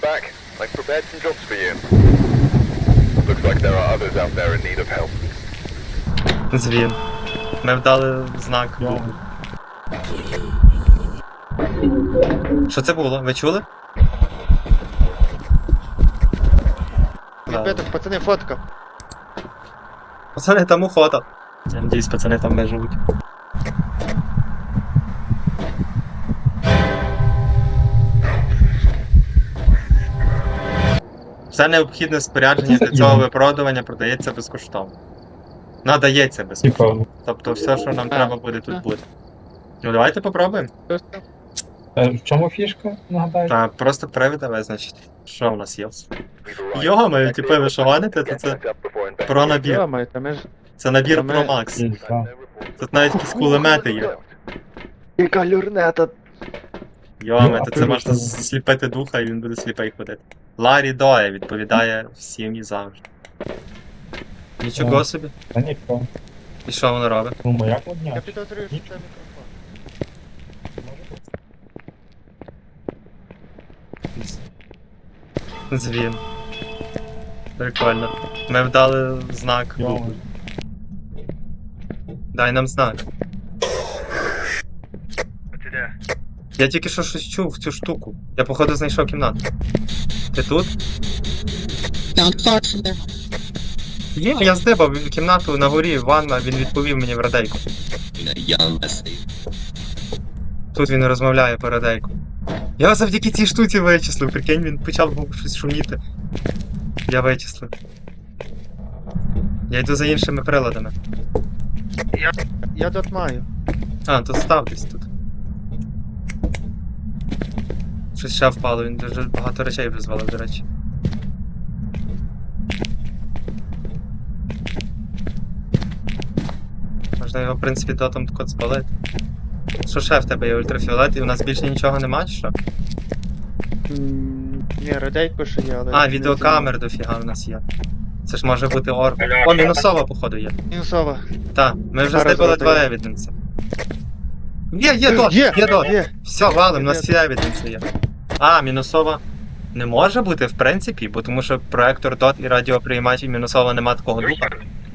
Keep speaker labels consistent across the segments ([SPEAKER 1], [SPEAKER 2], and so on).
[SPEAKER 1] back. I've prepared some jobs for you. Looks like there are others out there in need of help.
[SPEAKER 2] Звін. Ми вдали знак. Що це було? Ви чули?
[SPEAKER 3] Ребята, пацани, фотка.
[SPEAKER 2] Пацани, там у фото. Я надіюсь, пацани там виживуть. Все необхідне спорядження для цього виправдування продається безкоштовно. Надається безкоштовно. Тобто все, що нам треба буде, тут буде. Ну давайте попробуємо.
[SPEAKER 4] В чому фішка, нагадаю?
[SPEAKER 2] Та просто привида визначить. Що в нас є? Йо-моє, типу, ви що гоните, то це про набір.
[SPEAKER 3] Йо-моє, та ми ж...
[SPEAKER 2] Це набір
[SPEAKER 3] Та ми-
[SPEAKER 2] про Макс.
[SPEAKER 4] Інфа.
[SPEAKER 2] Тут навіть якісь кулемети є.
[SPEAKER 3] Яка люрнета.
[SPEAKER 2] Йоме, то це можна сліпити духа і він буде сліпий ходити. Ларі Доя відповідає всім і завжди. Нічого собі.
[SPEAKER 4] Та ніхто.
[SPEAKER 2] І що воно робить?
[SPEAKER 4] Ну, моя
[SPEAKER 3] Я
[SPEAKER 4] кладня.
[SPEAKER 3] підозрюю, що це мікрофон.
[SPEAKER 2] Звін. Прикольно. Ми вдали знак.
[SPEAKER 4] Йома.
[SPEAKER 2] Дай нам знак.
[SPEAKER 3] Ти де?
[SPEAKER 2] Я тільки що щось чув цю штуку. Я походу знайшов кімнату. Ти тут?
[SPEAKER 5] Not far from their
[SPEAKER 2] Є, я здибав кімнату на горі, ванна, він відповів мені в радейку.
[SPEAKER 5] home, a young essay.
[SPEAKER 2] Тут він розмовляє по радейку. Я завдяки цій штуці вичислив, прикинь, він почав щось шуміти. Я вичислив. Я йду за іншими приладами.
[SPEAKER 3] Я тут маю.
[SPEAKER 2] А, то став десь тут. Щось ще впало, він дуже багато речей вже звалив, до речі. Можна його, в принципі, дотом код спалити. Що ще в тебе є ультрафіолет, і у нас більше нічого нема, чи що?
[SPEAKER 3] Ні, радейко ще є, але...
[SPEAKER 2] А, відеокамер дофіга в нас є. Це ж може бути орб. О, мінусова, походу, є.
[SPEAKER 3] Мінусова.
[SPEAKER 2] Так, ми вже
[SPEAKER 3] Зараз
[SPEAKER 2] здибали
[SPEAKER 3] зробимо.
[SPEAKER 2] два евіденси. Є дот, є дот.
[SPEAKER 3] Є.
[SPEAKER 2] Все, валим, у нас
[SPEAKER 3] Є.
[SPEAKER 2] всі евіденси є. А, мінусова. Не може бути, в принципі, бо тому що проектор DOT і радіоприймач і мінусова нема такого духа.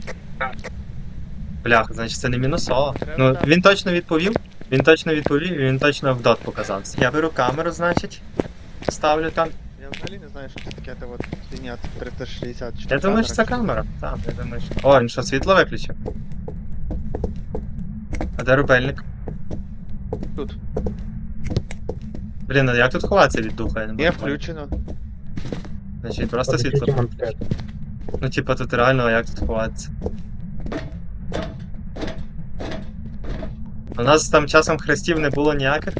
[SPEAKER 2] Блях, значить це не мінусова. Ну, він точно відповів, і він точно в DOT показався. Я беру камеру, значить, ставлю там.
[SPEAKER 3] Я взагалі не знаю, що це таке, та от фігня 360.
[SPEAKER 2] Я думаю, що це камера. Так, я думаю, що. О, він що, світло виключив? А де рубельник?
[SPEAKER 3] Тут.
[SPEAKER 2] Блін, а як тут ховатися від духа? Я не
[SPEAKER 3] Є
[SPEAKER 2] можу.
[SPEAKER 3] включено.
[SPEAKER 2] Значить, просто світло включиш. Ну, типа, тут реально, а як тут ховатися? У нас там часом хрестів не було ніяких?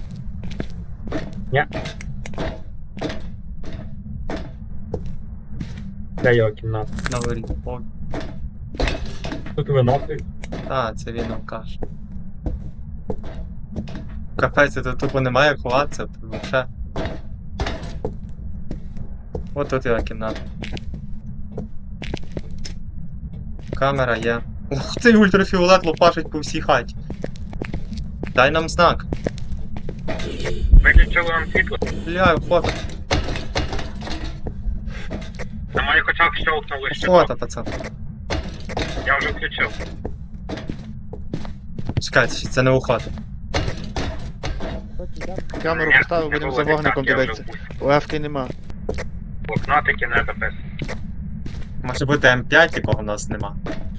[SPEAKER 4] Де його кімната?
[SPEAKER 2] На горі. О,
[SPEAKER 4] Тут виносить.
[SPEAKER 2] це він алкаш. Капець, тут тупо немає як ховатися, тут вообще. От тут його кімната. Камера є. Ух ти, ультрафіолет лопашить по всій хаті. Дай нам знак.
[SPEAKER 6] Виключили вам світло?
[SPEAKER 2] Бля, фото.
[SPEAKER 6] На моїх очах щелкнули ще.
[SPEAKER 2] Фото, пацан.
[SPEAKER 6] Я вже включив.
[SPEAKER 2] Чекайте, це не уход.
[SPEAKER 3] Камеру
[SPEAKER 6] Ні,
[SPEAKER 3] поставив,
[SPEAKER 6] не
[SPEAKER 3] будемо
[SPEAKER 6] було,
[SPEAKER 3] за вогником
[SPEAKER 6] так, я вже
[SPEAKER 3] дивитися.
[SPEAKER 6] був.
[SPEAKER 3] УФ-ки нема.
[SPEAKER 6] Блокнотики не записані.
[SPEAKER 2] Може бути М5, якого в нас нема.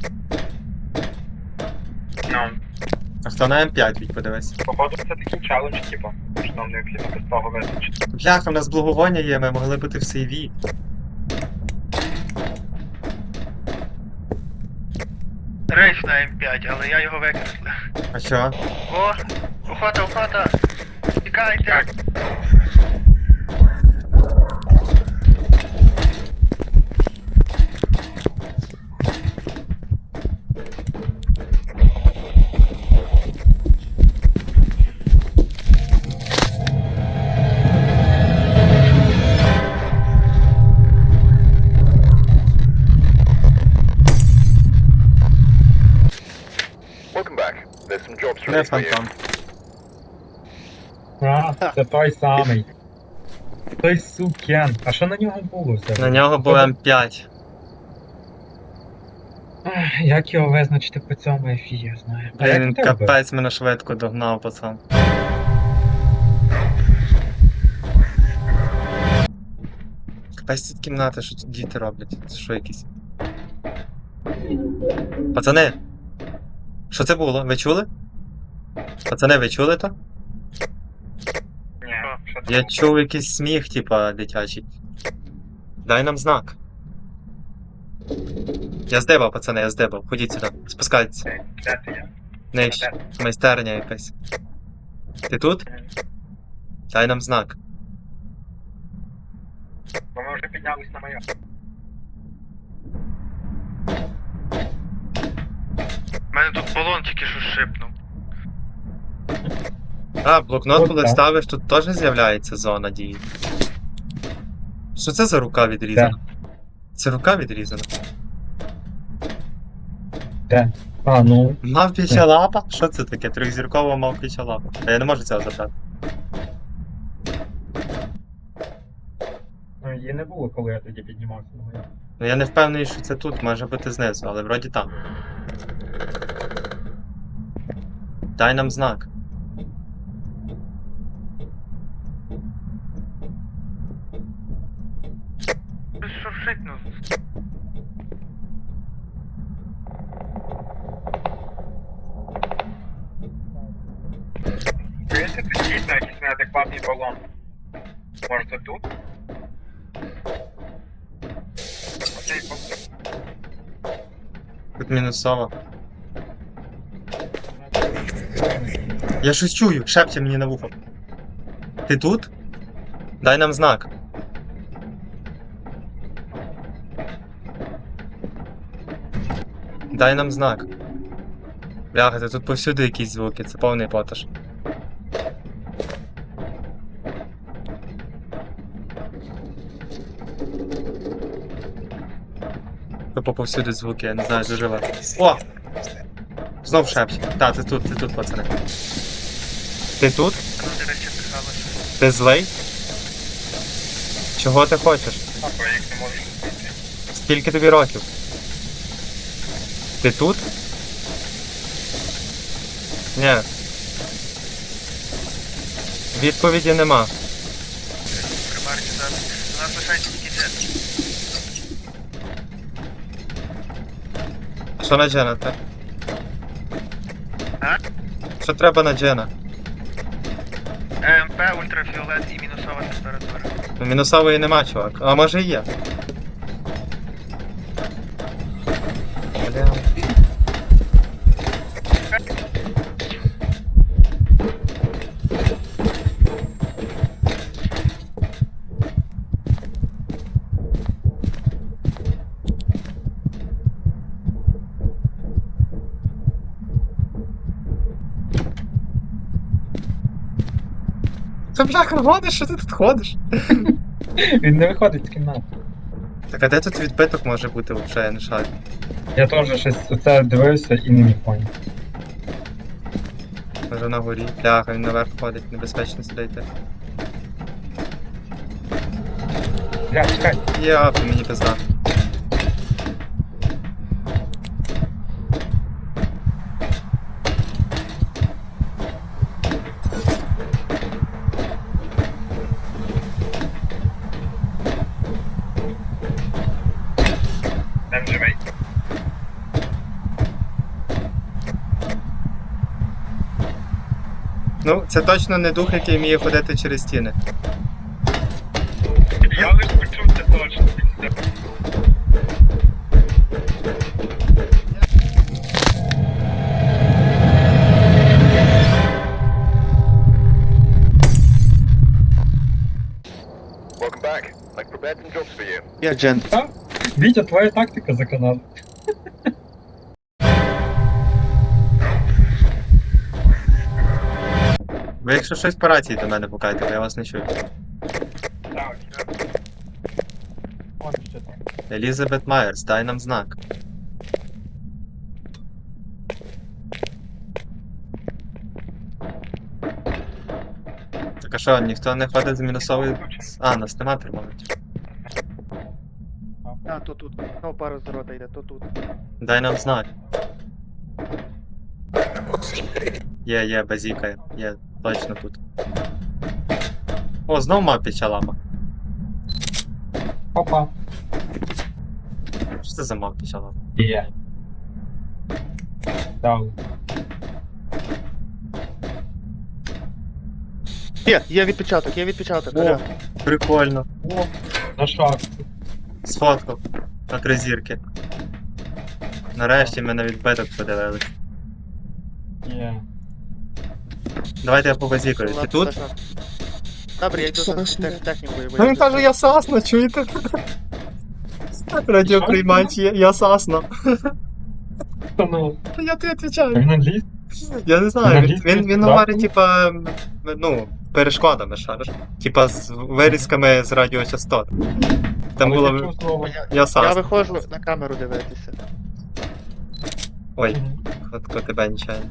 [SPEAKER 6] Ну,
[SPEAKER 2] А хто на М5 відь подивись?
[SPEAKER 6] походу це такий челендж, типу, що нам необхідно без того визначити.
[SPEAKER 2] Бляха, в нас благовоння є, ми могли бути в сейві.
[SPEAKER 3] Рейс на М5, але я його викреслив.
[SPEAKER 2] А що?
[SPEAKER 3] О, охота! Тікайте!
[SPEAKER 1] Welcome back. There's some jobs for
[SPEAKER 2] Не
[SPEAKER 1] you.
[SPEAKER 2] фантом.
[SPEAKER 4] А, це той самий. Той сукен. А що на нього було все?
[SPEAKER 2] На нього був М5.
[SPEAKER 4] Ах, як його визначити по цьому ефі, я знаю. А
[SPEAKER 2] Блін, він
[SPEAKER 4] як у тебе?
[SPEAKER 2] капець мене швидко догнав, пацан. Капець тут кімната, що тут діти роблять? Це що якісь? Пацани! Що це було? Ви чули? Пацани, ви чули то?
[SPEAKER 6] Ні, що це?
[SPEAKER 2] Я чув якийсь сміх, типа, дитячий. Дай нам знак. Я здибав, пацани, я здибав. Ходіть сюди, спускайтеся.
[SPEAKER 6] Де ти є?
[SPEAKER 2] Нижче. Майстерня якась. Ти тут? Дай нам знак.
[SPEAKER 6] Бо ми вже піднялись на майор.
[SPEAKER 3] У мене тут балон тільки що шипнув.
[SPEAKER 2] А, блокнот,
[SPEAKER 4] От
[SPEAKER 2] коли
[SPEAKER 4] так.
[SPEAKER 2] ставиш, тут теж з'являється зона дії. Що це за рука відрізана? Це рука відрізана.
[SPEAKER 4] Де? А, ну.
[SPEAKER 2] Мавпіча лапа? Що це таке? Трьохзіркова мавпіча лапа. А я не можу цього забрати.
[SPEAKER 4] Ну, її не було, коли я тоді піднімався на моє.
[SPEAKER 2] Ну я не впевнений, що це тут, може бути знизу, але вроді там. Дай нам знак.
[SPEAKER 3] Щось шуршить, ну.
[SPEAKER 6] Дивіться, тут дійсно якийсь неадекватний балон. Може це тут? Оцей балон.
[SPEAKER 2] Тут мінусова. Я щось чую, шепче мені на вухо. Ти тут? Дай нам знак. Дай нам знак. Бляха, та тут повсюди якісь звуки, це повний поташ. Тупо повсюди звуки, я не знаю, де живе. О! Знов шепче. Так, ти тут, пацани. Ти тут?
[SPEAKER 3] Ну, до речі, писала, що
[SPEAKER 2] Ти злий? Чого ти хочеш?
[SPEAKER 6] Бо я їх не можу знайти.
[SPEAKER 2] Скільки тобі років? Ти тут? Ні. Відповіді нема.
[SPEAKER 3] примарки зараз. У нас лишається тільки джет.
[SPEAKER 2] Що на Джена те?
[SPEAKER 3] А?
[SPEAKER 2] Що треба на Джена?
[SPEAKER 3] ЕМП, ультрафіолет і мінусова температура.
[SPEAKER 2] Ну, мінусової нема, чувак. А може і є. Бля. Та бляха, гониш, що ти тут ходиш?
[SPEAKER 4] Він не виходить з кімнати.
[SPEAKER 2] Так а де тут відбиток може бути взагалі, я не шарю.
[SPEAKER 4] Я теж щось оце дивився і не міг поняти.
[SPEAKER 2] Може на горі. Бляха, він наверх ходить, небезпечно сидіти.
[SPEAKER 4] Бля, чекай.
[SPEAKER 2] Я мені пизда.
[SPEAKER 6] Там живий.
[SPEAKER 2] Ну, це точно не дух, який вміє ходити через стіни.
[SPEAKER 6] Я лиш почув це точно.
[SPEAKER 1] Welcome back. I've prepared some jobs for you.
[SPEAKER 3] Я джент.
[SPEAKER 4] Вітя, твоя тактика за канал.
[SPEAKER 2] Ви якщо щось по рації до мене пукайте, бо я вас не чую.
[SPEAKER 6] Так,
[SPEAKER 4] Вон ще там.
[SPEAKER 2] Елізабет Майерс, дай нам знак. Так Так а що, ніхто не ходить з мінусової. А, нас нема термометрів.
[SPEAKER 3] А, то тут. Ну, пару з рота йде, то тут.
[SPEAKER 2] Дай нам знак. Є, базікає. Є, точно тут. О, знов мавпіча лама.
[SPEAKER 4] Опа.
[SPEAKER 2] Що це за мавпіча лама?
[SPEAKER 4] Є. Дав.
[SPEAKER 3] Є відпечаток, є відпечаток.
[SPEAKER 2] О.
[SPEAKER 3] Аля.
[SPEAKER 2] Прикольно.
[SPEAKER 4] О, на шахту.
[SPEAKER 2] Сфоткав. На 3 зірки. Нарешті ми на відбиток подивились.
[SPEAKER 4] Є.
[SPEAKER 2] Давайте я побазікаю. Ти тут?
[SPEAKER 3] Добре, я йду за технікою.
[SPEAKER 2] Ну він каже, я Сасно, чуєте? Радіоприймач, я Сасно.
[SPEAKER 4] Ну,
[SPEAKER 2] Я тобі відповідаю.
[SPEAKER 4] він англійський?
[SPEAKER 2] Я не знаю,
[SPEAKER 4] Англійський,
[SPEAKER 2] він
[SPEAKER 4] да?
[SPEAKER 2] говорить, типа, ну, перешкодами, шариш. Типа з вирізками з радіочастот. Там
[SPEAKER 4] Але я
[SPEAKER 2] було
[SPEAKER 4] чув слово.
[SPEAKER 2] я
[SPEAKER 3] Я
[SPEAKER 2] Сасно.
[SPEAKER 3] виходжу на камеру дивитися.
[SPEAKER 2] Ой,
[SPEAKER 4] Мгм.
[SPEAKER 2] хотко тебе нічайно.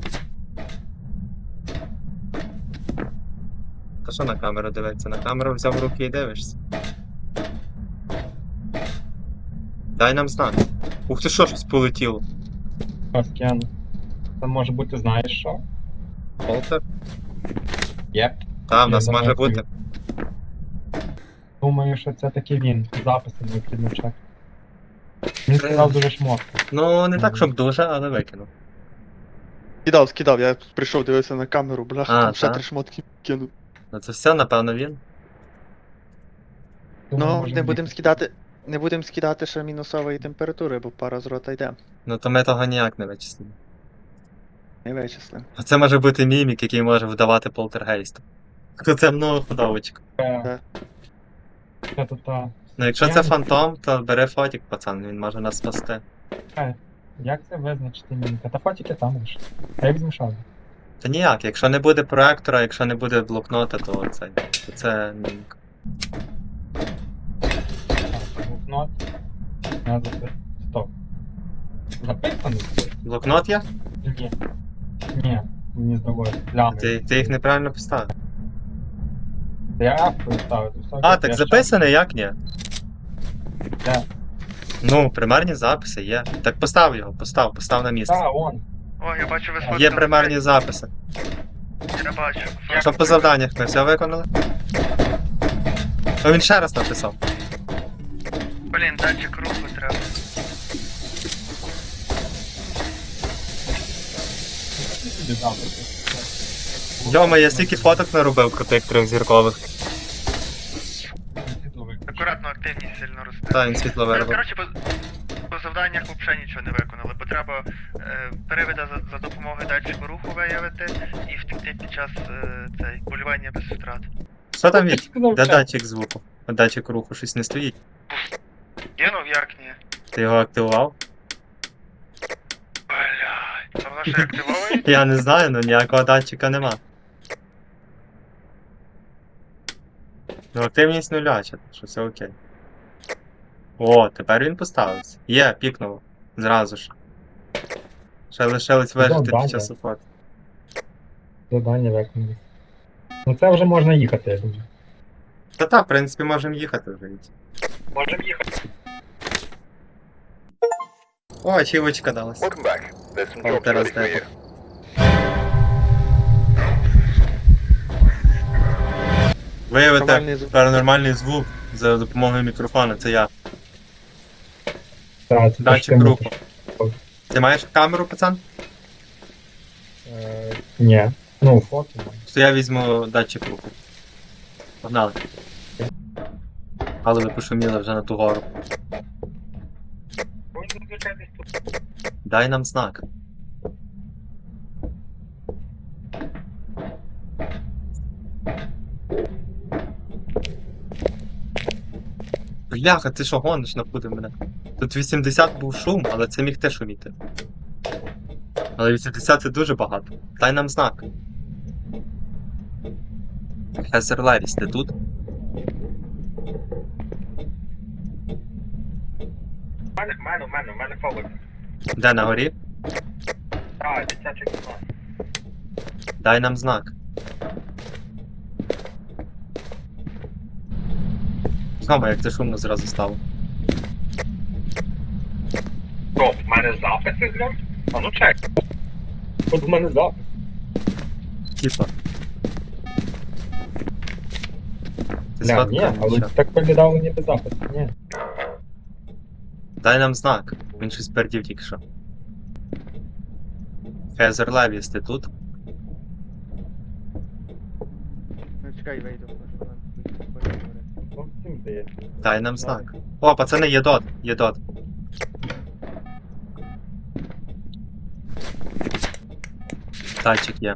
[SPEAKER 2] Та що на камеру дивитися? На камеру взяв в руки і дивишся. Дай нам знак. Ух ти що, щось полетіло.
[SPEAKER 4] Паскян. Це може бути, знаєш що?
[SPEAKER 2] Полтер?
[SPEAKER 4] Єп.
[SPEAKER 2] Та, в нас
[SPEAKER 4] Я
[SPEAKER 2] може
[SPEAKER 4] думаю,
[SPEAKER 2] бути.
[SPEAKER 4] Думаю, що це таки він. Записи необхідно чекати. Він сказав дуже шмотко.
[SPEAKER 2] Ну, не так, щоб дуже, але викинув.
[SPEAKER 3] Скидав, я прийшов, дивився на камеру, бляха,
[SPEAKER 2] А,
[SPEAKER 3] там ще
[SPEAKER 2] та?
[SPEAKER 3] 3 шмотки кинув.
[SPEAKER 2] Ну це все, напевно, він.
[SPEAKER 4] Думаю,
[SPEAKER 3] Ну,
[SPEAKER 4] може
[SPEAKER 3] не
[SPEAKER 4] він.
[SPEAKER 3] будемо скидати. Не будемо скидати ще мінусової температури, бо пара з рота йде.
[SPEAKER 2] Ну то ми того ніяк не вичислимо.
[SPEAKER 3] Не вичислимо.
[SPEAKER 2] А це може бути мімік, який може вдавати полтергейст. Це многоходовочка.
[SPEAKER 4] Це тут та.
[SPEAKER 2] Ну якщо
[SPEAKER 4] Я
[SPEAKER 2] це
[SPEAKER 4] не-
[SPEAKER 2] фантом, то бери фотік, пацан, він може нас спасти.
[SPEAKER 4] Як це визначити міміка? Та фотики там лише. А як змішали?
[SPEAKER 2] Та ніяк, якщо не буде проектора, якщо не буде блокнота, то це мімік.
[SPEAKER 4] Блокнот. Надо записати. Стоп. Записаний?
[SPEAKER 2] Блокнот є?
[SPEAKER 4] Ні. Ні, мені з другої. Плями.
[SPEAKER 2] Ти їх неправильно поставив.
[SPEAKER 4] Я автору ставив. то все,
[SPEAKER 2] А,
[SPEAKER 4] я
[SPEAKER 2] так
[SPEAKER 4] ще-
[SPEAKER 2] записаний, як ні?
[SPEAKER 4] Де?
[SPEAKER 2] Ну, примерні записи є. Так постав його, постав на місце.
[SPEAKER 4] Та, он.
[SPEAKER 6] О, я бачу, ви
[SPEAKER 2] Є
[SPEAKER 6] сфоткали.
[SPEAKER 2] примерні записи.
[SPEAKER 6] Я бачу.
[SPEAKER 2] Що по завданнях ми все виконали? О, він ще раз написав.
[SPEAKER 6] Блін, датчик руху треба.
[SPEAKER 4] Іди записи.
[SPEAKER 2] Йома, я стільки фоток наробив крутих трьохзіркових.
[SPEAKER 6] Акуратно, активність сильно росте.
[SPEAKER 2] Та, він світло
[SPEAKER 6] Ну,
[SPEAKER 2] виробив.
[SPEAKER 6] коротше, по завданнях взагалі нічого не виконали, бо треба перевіда за допомогою датчику руху виявити і втекти під час цей полювання без втрат.
[SPEAKER 2] Що там від?
[SPEAKER 4] Сказав,
[SPEAKER 2] Де
[SPEAKER 4] що?
[SPEAKER 2] датчик звуку? А датчик руху щось не стоїть.
[SPEAKER 6] Кинув, як ні?
[SPEAKER 2] Ти його активував?
[SPEAKER 6] Блядь, а воно ще активовує?
[SPEAKER 2] Я не знаю, ну ніякого датчика нема. Ну активність нуляча, що все окей. О, тепер він поставився. Є, пікнуло. Зразу ж. Ще лишилось вижити
[SPEAKER 4] Добре.
[SPEAKER 2] під час офоти.
[SPEAKER 4] Завдання виконали. Ну це вже можна їхати, я думаю.
[SPEAKER 2] Та, в принципі, можемо їхати вже.
[SPEAKER 4] Можемо їхати.
[SPEAKER 2] О, ачівочка далась.
[SPEAKER 1] Welcome back. There's some
[SPEAKER 2] Oh,
[SPEAKER 1] jobs
[SPEAKER 2] teraz
[SPEAKER 1] ready for you.
[SPEAKER 2] Виявити
[SPEAKER 3] Нормальний звук.
[SPEAKER 2] паранормальний звук за допомогою мікрофона, це я.
[SPEAKER 4] Так, це
[SPEAKER 2] Датчик
[SPEAKER 4] ж ти
[SPEAKER 2] руху.
[SPEAKER 4] мусиш.
[SPEAKER 2] Ти маєш камеру, пацан?
[SPEAKER 4] Ні. Ну, фото. маю.
[SPEAKER 2] То я візьму датчик руху. Погнали. Але ви пошуміли вже на ту гору. Дай нам знак. Бляха, ти що гониш, напутав мене? Тут 80 був шум, але це міг теж шуміти. Але 80 це дуже багато. Дай нам знак. Хезер Левіс, ти тут?
[SPEAKER 6] У мене фолок.
[SPEAKER 2] Де на горі?
[SPEAKER 6] Так, дитячий клас.
[SPEAKER 2] Дай нам знак. Мама, як це шумно зразу стало.
[SPEAKER 4] О, в мене записи грав? А ну чек. От в мене запис.
[SPEAKER 2] Типа. Ти
[SPEAKER 4] Ні,
[SPEAKER 2] сфоткав
[SPEAKER 4] але
[SPEAKER 2] нічого?
[SPEAKER 4] так виглядало ніби запис. Ні.
[SPEAKER 2] Дай нам знак. Він щось пердів тільки що. Фезер Левіс, ти тут?
[SPEAKER 3] Ну чекай, вийду. може, вона поговорить.
[SPEAKER 4] Ну, всім здається.
[SPEAKER 2] Дай нам знак. О, пацани, є дот, є дот. Тачик є.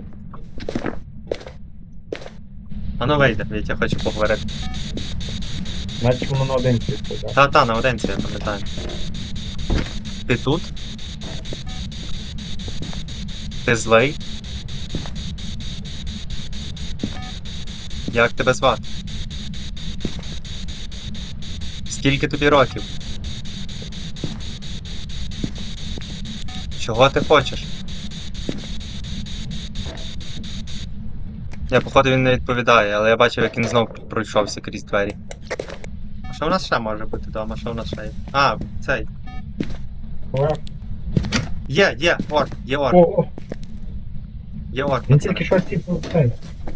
[SPEAKER 2] А ну вийде, я хочу поговорити.
[SPEAKER 4] Значить воно на один світ, так?
[SPEAKER 2] Та, на одинці, я пам'ятаю. Ти тут? Ти злий? Як тебе звати? Скільки тобі років? Чого ти хочеш? Я, походу, він не відповідає, але я бачив, як він знов пройшовся крізь двері. А що в нас ще може бути вдома? Що в нас ще є? А, цей. Є, орк, є орк,
[SPEAKER 4] О,
[SPEAKER 2] є орк,
[SPEAKER 4] він
[SPEAKER 2] пацани.
[SPEAKER 4] тільки що сіпнув цей.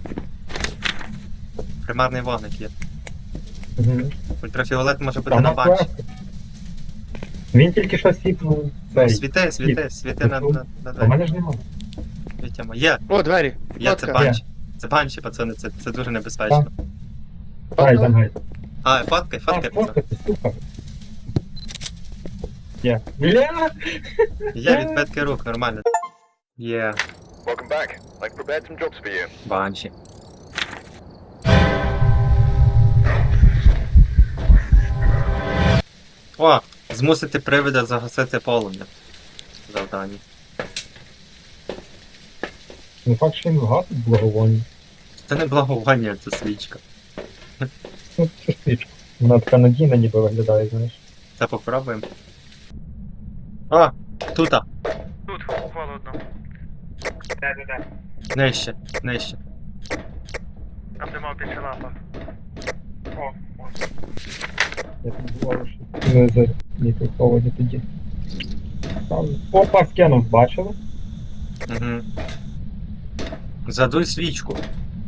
[SPEAKER 2] Примарний вогник є.
[SPEAKER 4] Угу.
[SPEAKER 2] Ультрафіолет може бути на банші.
[SPEAKER 4] Він тільки що сіпнув цей.
[SPEAKER 2] Світи на
[SPEAKER 4] А в
[SPEAKER 2] двері.
[SPEAKER 4] мене ж немає.
[SPEAKER 2] Вітямо. Є,
[SPEAKER 3] О, двері!
[SPEAKER 2] це
[SPEAKER 3] Фотка.
[SPEAKER 2] банші. Це банші, пацани, це дуже небезпечно.
[SPEAKER 4] Дай, давай.
[SPEAKER 2] А, фоткай,
[SPEAKER 4] А,
[SPEAKER 2] пацани.
[SPEAKER 4] фоткати, супер. Є. Бля!
[SPEAKER 2] Є відбитки рук, нормально. Є,
[SPEAKER 1] Welcome back. I've prepared some jobs for you.
[SPEAKER 2] банші. О, змусити привида загасити полум'я. Завдання.
[SPEAKER 4] Не факт, що він вгасить благовоння.
[SPEAKER 2] Це не благовоння, це свічка.
[SPEAKER 4] Ну, це стрічка. Вона така надійна ніби виглядає, знаєш.
[SPEAKER 2] Це попробуємо. О, тута.
[SPEAKER 6] Тут, холодно.
[SPEAKER 4] Де.
[SPEAKER 2] Нижче, нижче.
[SPEAKER 6] Там де мав більше лапа.
[SPEAKER 4] Я тут говорю, що не за мікроховоді тоді. Там. Опа, скинув, бачили?
[SPEAKER 2] Угу. Задуй свічку.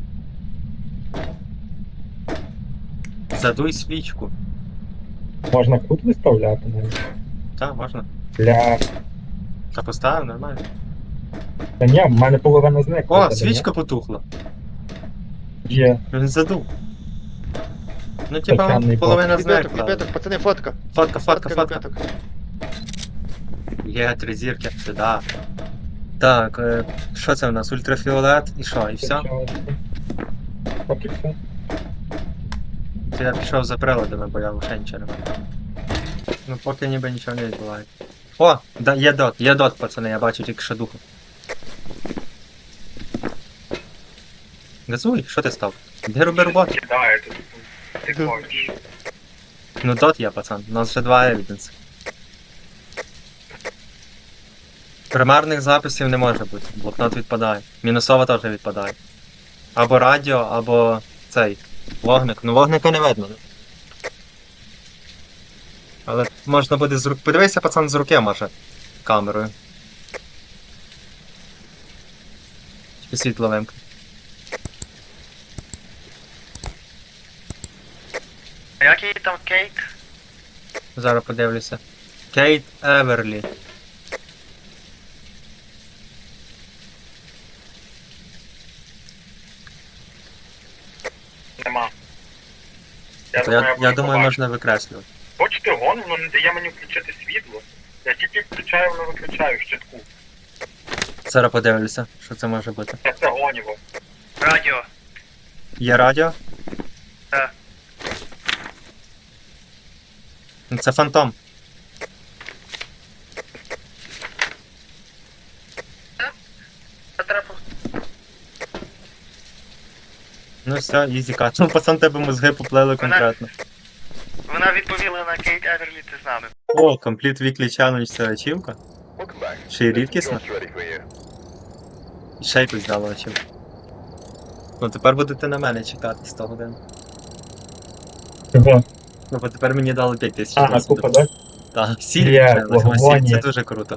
[SPEAKER 2] Задуй свічку.
[SPEAKER 4] Можна кут виставляти навіть.
[SPEAKER 2] Так, можна.
[SPEAKER 4] Бля.
[SPEAKER 2] Та поставив, нормально.
[SPEAKER 4] Та ні, в мене половина зникла.
[SPEAKER 2] О, свічка потухла.
[SPEAKER 4] Є.
[SPEAKER 2] Він задув. Ну, типа,
[SPEAKER 4] Печальний
[SPEAKER 2] половина
[SPEAKER 3] Відбиток,
[SPEAKER 2] зникла.
[SPEAKER 3] відбиток, пацани, фотка.
[SPEAKER 2] Фотка.
[SPEAKER 3] відбиток.
[SPEAKER 2] Є 3 зірки, сюди. Так, що це у нас? Ультрафіолет і що, і все?
[SPEAKER 4] Поки все.
[SPEAKER 2] То я пішов за приладами, бо я вже нічого не маю. Ну поки ніби нічого не відбувається. О, да, є дот, пацани, я бачу тільки що духу. Газуй, що ти став? Де роби роботу?
[SPEAKER 4] Кидає тут. Ти
[SPEAKER 3] Ду.
[SPEAKER 4] хочеш.
[SPEAKER 2] Ну дот є, пацан, у нас вже 2 евіденси. Примарних записів не може бути, блокнот відпадає. Мінусова теж відпадає. Або радіо, або цей. Вогник. Ну вогника не видно. Але можна буде з рук. Подивися, пацан, з руки може. Камерою. Тільки світло вимкне.
[SPEAKER 6] А який там кейк?
[SPEAKER 2] Зараз подивлюся. Кейт Еверлі.
[SPEAKER 4] Нема.
[SPEAKER 2] То я думаю, можна викреслювати.
[SPEAKER 4] Хочете гон, воно не дає мені включити світло. Я тільки включаю, воно виключаю в щитку.
[SPEAKER 2] Зараз подивлюся, що це може бути.
[SPEAKER 4] Це гоніво.
[SPEAKER 6] Радіо.
[SPEAKER 2] Є радіо?
[SPEAKER 6] Так.
[SPEAKER 2] Ну, це фантом.
[SPEAKER 6] Це треба.
[SPEAKER 2] Ну все, ізі кат. Ну, пацан, тебе мозги поплили конкретно.
[SPEAKER 6] Вона відповіла на Кейт Еверлі, ти з нами.
[SPEAKER 2] О, Complete Weekly Challenge це ачівка.
[SPEAKER 1] Welcome back.
[SPEAKER 2] Ще й рідкісна.
[SPEAKER 1] Jobs ready for you.
[SPEAKER 2] І ще якусь дала ачівку. Ну тепер будете на мене чекати 100 годин.
[SPEAKER 4] Чого?
[SPEAKER 2] Ну, бо тепер мені дали 5000
[SPEAKER 4] А,
[SPEAKER 2] досвіду.
[SPEAKER 4] купа, да?
[SPEAKER 2] Так, сіль
[SPEAKER 4] Є,
[SPEAKER 2] ще,
[SPEAKER 4] благовоння.
[SPEAKER 2] це дуже круто.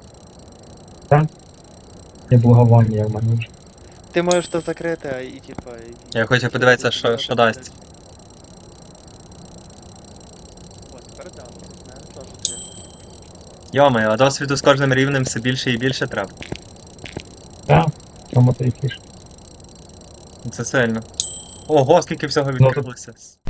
[SPEAKER 4] І благовоння в мене вже.
[SPEAKER 3] Ти можеш то закрити, а і типа.
[SPEAKER 2] Я хочу подивитися, що дасть.
[SPEAKER 3] О, тепер да, не теж закрити.
[SPEAKER 2] Йомаю, а досвіду з кожним рівнем все більше і більше треба.
[SPEAKER 4] Так, в цьому то і фішка.
[SPEAKER 2] Це сильно. Ого, скільки всього відкрилося.